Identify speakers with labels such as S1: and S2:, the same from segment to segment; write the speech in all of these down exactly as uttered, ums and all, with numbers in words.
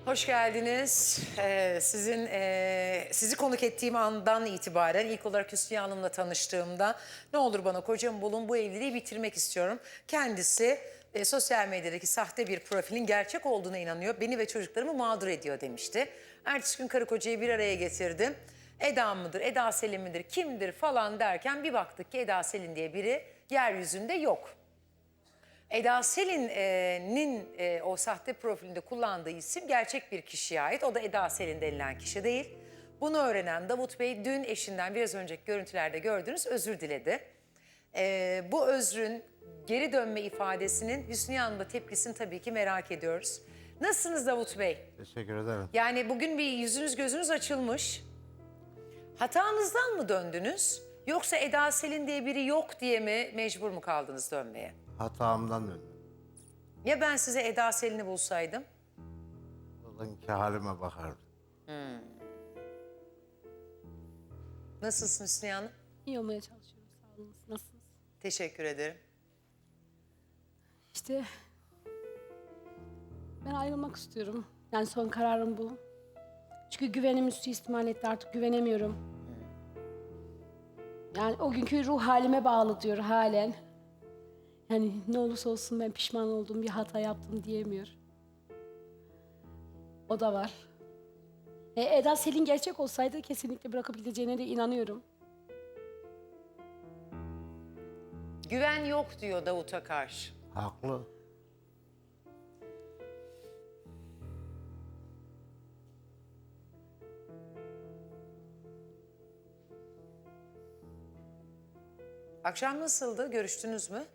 S1: Hoş geldiniz. Ee, sizin e, sizi konuk ettiğim andan itibaren ilk olarak Hüsniye Hanım'la tanıştığımda ne olur bana kocamı bulun, bu evliliği bitirmek istiyorum. Kendisi e, sosyal medyadaki sahte bir profilin gerçek olduğuna inanıyor. Beni ve çocuklarımı mağdur ediyor demişti. Ertesi gün karı kocayı bir araya getirdim. Eda mıdır, Eda Selin midir, kimdir falan derken bir baktık ki Eda Selin diye biri yeryüzünde yok. Eda Selin'in e, o sahte profilinde kullandığı isim gerçek bir kişiye ait. O da Eda Selin denilen kişi değil. Bunu öğrenen Davut Bey dün eşinden biraz önceki görüntülerde gördüğünüz özür diledi. E, bu özrün geri dönme ifadesinin Hüsniye Hanım'da tepkisini tabii ki merak ediyoruz. Nasılsınız Davut Bey?
S2: Teşekkür ederim.
S1: Yani bugün bir yüzünüz gözünüz açılmış. Hatanızdan mı döndünüz? Yoksa Eda Selin diye biri yok diye mi mecbur mu kaldınız dönmeye?
S2: Hatamdan döndüm.
S1: Ya ben size Eda Selin'i bulsaydım?
S2: Bugünkü halime bakardım.
S1: Nasılsın Hüsniye Hanım?
S3: İyi olmaya çalışıyorum. Sağ olun. Nasılsınız?
S1: Teşekkür ederim.
S3: İşte ben ayrılmak istiyorum. Yani son kararım bu. Çünkü güvenimi suistimal etti. Artık güvenemiyorum. Yani o günkü ruh halime bağlı diyor halen. Yani ne olursa olsun ben pişman oldum, bir hata yaptım diyemiyor. O da var. E, Eda Selin gerçek olsaydı kesinlikle bırakıp gideceğine de inanıyorum.
S1: Güven yok diyor Davut'a karşı.
S2: Haklı.
S1: Akşam nasıldı? Görüştünüz mü?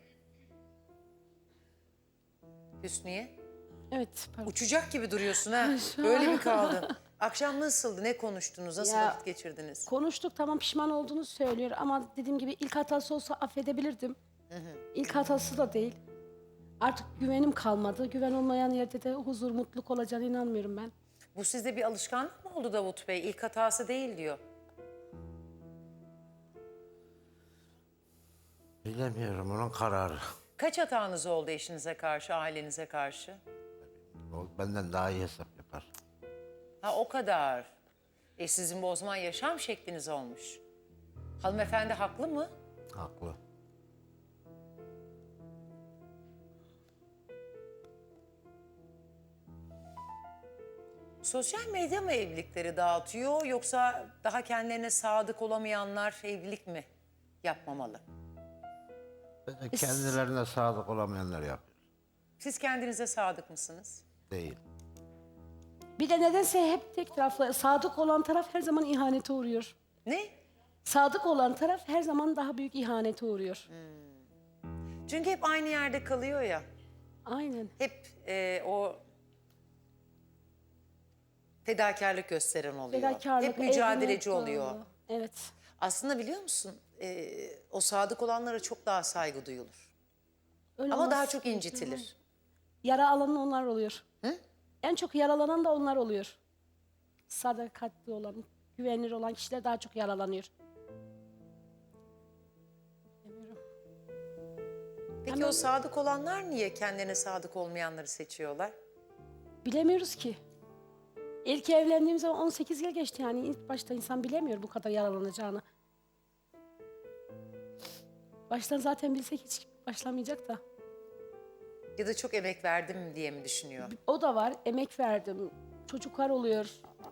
S1: Hüsniye?
S3: Evet, pardon.
S1: Uçacak gibi duruyorsun ha.
S3: Şu an-
S1: Böyle mi kaldın? Akşam nasıldı? Ne konuştunuz? Nasıl
S3: Ya,
S1: vakit geçirdiniz?
S3: Konuştuk, tamam, pişman olduğunu söylüyor ama dediğim gibi ilk hatası olsa affedebilirdim. İlk hatası da değil. Artık güvenim kalmadı. Güven olmayan yerde de huzur, mutluluk olacağına inanmıyorum ben.
S1: Bu sizde bir alışkanlık mı oldu Davut Bey? İlk hatası değil diyor.
S2: Bilemiyorum, onun kararı.
S1: Kaç hatanız oldu eşinize karşı, ailenize karşı?
S2: O benden daha iyi hesap yapar.
S1: Ha o kadar. E sizin bu o zaman yaşam şekliniz olmuş. Hanımefendi haklı mı?
S2: Haklı.
S1: Sosyal medya mı evlilikleri dağıtıyor yoksa daha kendilerine sadık olamayanlar evlilik mi yapmamalı?
S2: Ben de kendilerine sadık olamayanlar yapıyor.
S1: Siz kendinize sadık mısınız?
S2: Değil.
S3: Bir de nedense hep tek taraflı, sadık olan taraf her zaman ihanete uğruyor.
S1: Ne?
S3: Sadık olan taraf her zaman daha büyük ihanete uğruyor.
S1: Çünkü hep aynı yerde kalıyor ya.
S3: Aynen.
S1: Hep e, o fedakarlık gösteren oluyor.
S3: Fedakarlık,
S1: hep mücadeleci
S3: evlilik
S1: oluyor.
S3: bağlı. Evet.
S1: Aslında biliyor musun? E, o sadık olanlara çok daha saygı duyulur.
S3: Öyle
S1: Ama
S3: olmaz.
S1: daha çok incitilir.
S3: Yara alan onlar oluyor.
S1: Hı?
S3: En çok yaralanan da onlar oluyor. Sadakatli olan, güvenilir olan kişiler daha çok yaralanıyor. Bilmiyorum.
S1: Peki
S3: Ama-
S1: o sadık olanlar niye kendilerine sadık olmayanları seçiyorlar?
S3: Bilemiyoruz ki. İlk evlendiğim zaman on sekiz yıl geçti, yani ilk başta insan bilemiyor bu kadar yaralanacağını. Baştan zaten bilsek hiç başlamayacak da.
S1: Ya da çok emek verdim diye mi düşünüyor?
S3: O da var, emek verdim. Çocuklar oluyor.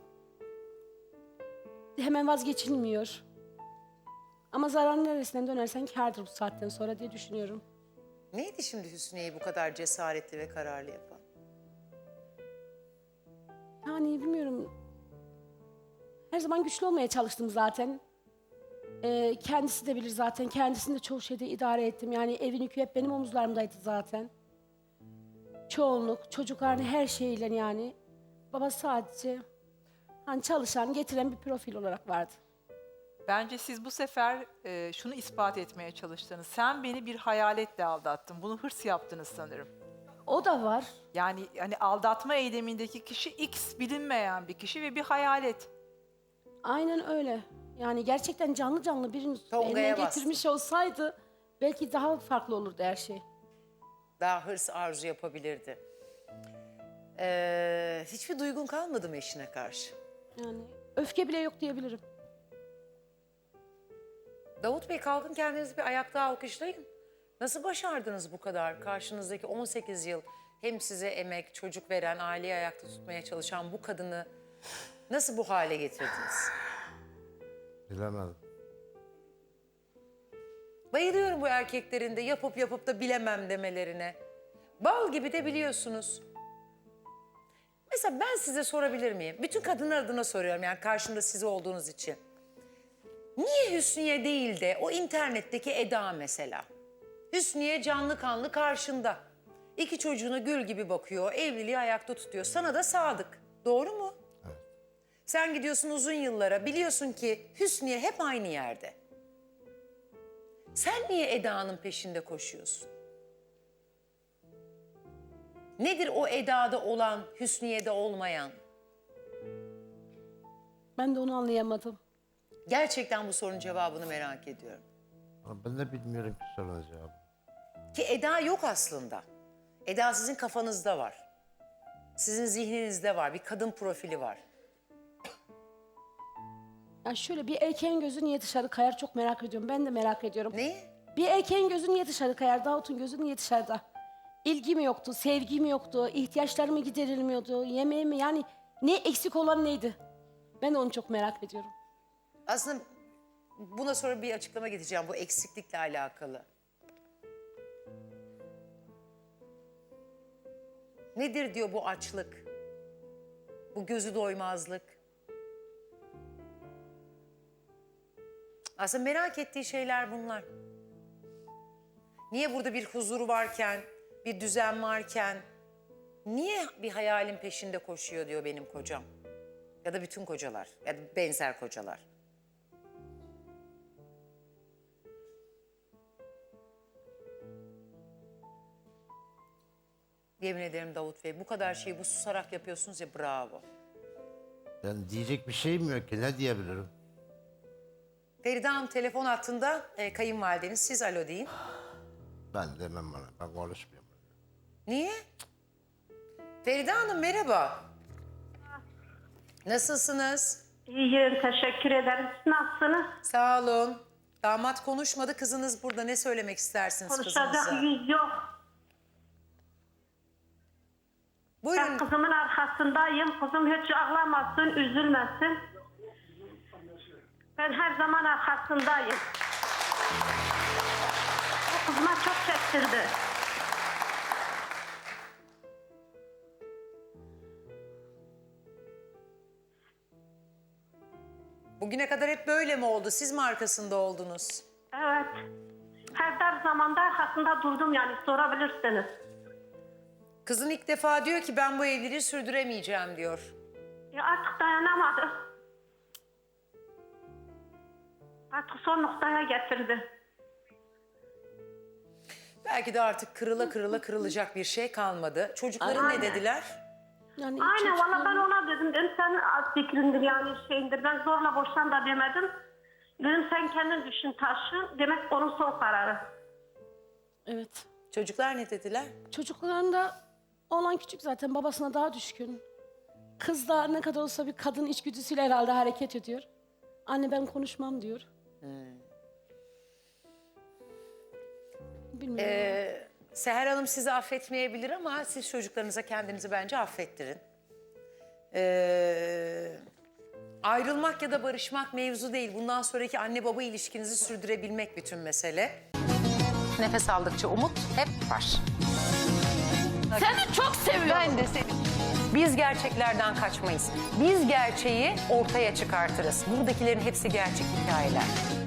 S3: Hemen vazgeçilmiyor. Ama zararın neresinden dönersen kârdır bu saatten sonra diye düşünüyorum.
S1: Neydi şimdi Hüsniye'yi bu kadar cesaretli ve kararlı yapan?
S3: Yani bilmiyorum. Her zaman güçlü olmaya çalıştım zaten. Ee, kendisi de bilir zaten. Kendisini de çoğu şeyde idare ettim. Yani evin yükü hep benim omuzlarımdaydı zaten. Çoğunluk, çocuklarını her şeyle yani. Baba sadece hani çalışan, getiren bir profil olarak vardı.
S4: Bence siz bu sefer e, şunu ispat etmeye çalıştınız. Sen beni bir hayaletle aldattın. Bunu hırs yaptınız sanırım.
S3: O da var.
S4: Yani hani aldatma eylemindeki kişi X bilinmeyen bir kişi ve bir hayalet.
S3: Aynen öyle. Yani gerçekten canlı canlı birini
S1: Tonga'ya
S3: eline
S1: bastı.
S3: getirmiş olsaydı belki daha farklı olurdu her şey.
S1: Daha hırs arzu yapabilirdi. Ee, Ee, hiçbir duygun kalmadı mı eşine karşı?
S3: Yani öfke bile yok diyebilirim.
S1: Davut Bey kalkın kendinizi bir ayakta alkışlayın. Nasıl başardınız bu kadar? Karşınızdaki on sekiz yıl hem size emek, çocuk veren, aileyi ayakta tutmaya çalışan bu kadını nasıl bu hale getirdiniz?
S2: Bilemedim.
S1: Bayılıyorum bu erkeklerin de yapıp yapıp da bilemem demelerine. Bal gibi de biliyorsunuz. Mesela ben size sorabilir miyim? Bütün kadınlar adına soruyorum yani karşımda siz olduğunuz için. Niye Hüsniye değil de o internetteki Eda mesela? Hüsniye canlı kanlı karşında. İki çocuğuna gül gibi bakıyor, evliliği ayakta tutuyor. Sana da sadık. Doğru mu?
S2: Evet.
S1: Sen gidiyorsun uzun yıllara, biliyorsun ki Hüsniye hep aynı yerde. Sen niye Eda'nın peşinde koşuyorsun? Nedir o Eda'da olan, Hüsniye'de olmayan?
S3: Ben de onu anlayamadım.
S1: Gerçekten bu sorunun cevabını merak ediyorum.
S2: Ama ben de bilmiyorum ki sorunun cevabı.
S1: Ki Eda yok aslında. Eda sizin kafanızda var. Sizin zihninizde var. Bir kadın profili var.
S3: Yani şöyle bir erkeğin gözü niye dışarı kayar çok merak ediyorum. Ben de merak ediyorum.
S1: Neyi?
S3: Bir erkeğin gözü niye dışarı kayar? Davut'un gözü niye dışarıda? İlgi mi yoktu, sevgi mi yoktu, ihtiyaçları mı giderilmiyordu, yemeği mi? Yani ne eksik olan neydi? Ben de onu çok merak ediyorum.
S1: Aslında buna sonra bir açıklama getireceğim bu eksiklikle alakalı. Nedir diyor bu açlık? Bu gözü doymazlık? Aslında merak ettiği şeyler bunlar. Niye burada bir huzur varken, bir düzen varken, niye bir hayalin peşinde koşuyor diyor benim kocam? Ya da bütün kocalar, ya da benzer kocalar. Yemin ederim Davut Bey, bu kadar şeyi bu susarak yapıyorsunuz ya, bravo.
S2: Ben diyecek bir şeyim yok ki, ne diyebilirim?
S1: Feride Hanım telefon hattında, e, kayınvalideniz, siz alo deyin.
S2: Ben demem bana, ben konuşmuyorum.
S1: Niye? Feride Hanım merhaba. Nasılsınız?
S5: İyiyim, teşekkür ederim. Siz nasılsınız?
S1: Sağ olun. Damat konuşmadı, kızınız burada. Ne söylemek istersiniz
S5: Konuşacak
S1: kızınıza?
S5: yüz yok. Ben
S1: Buyurun.
S5: kızımın arkasındayım. Kızım hiç ağlamasın, üzülmesin. Ben her zaman arkasındayım. O kızıma çok çektirdi.
S1: Bugüne kadar hep böyle mi oldu? Siz mi arkasında oldunuz?
S5: Evet. Her dar zamanda arkasında durdum yani sorabilirsiniz.
S1: Kızın ilk defa diyor ki ben bu evliliği sürdüremeyeceğim diyor.
S5: Ya artık dayanamadı. Artık son noktaya getirdi.
S1: Belki de artık kırıla kırıla kırılacak bir şey kalmadı. Çocukların ne
S5: Aynen.
S1: dediler?
S3: Yani
S5: Aynen
S3: çocuk-
S5: valla ben ona dedim. Dedim sen az fikrindir yani şeyindir. Ben zorla boşan da demedim. Dedim sen kendin düşün taşın. Demek onun son kararı.
S3: Evet.
S1: Çocuklar ne dediler?
S3: Çocuklarında olan küçük zaten babasına daha düşkün. Kız da ne kadar olsa bir kadın içgüdüsüyle herhalde hareket ediyor. Anne ben konuşmam diyor. Bilmiyorum.
S1: Ee, Seher Hanım sizi affetmeyebilir ama siz çocuklarınıza kendinizi bence affettirin. Ee, ayrılmak ya da barışmak mevzu değil. Bundan sonraki anne baba ilişkinizi sürdürebilmek bütün mesele. Nefes aldıkça umut hep var.
S3: Seni çok seviyorum.
S1: Ben de seni. Biz gerçeklerden kaçmayız. Biz gerçeği ortaya çıkartırız. Buradakilerin hepsi gerçek hikayeler.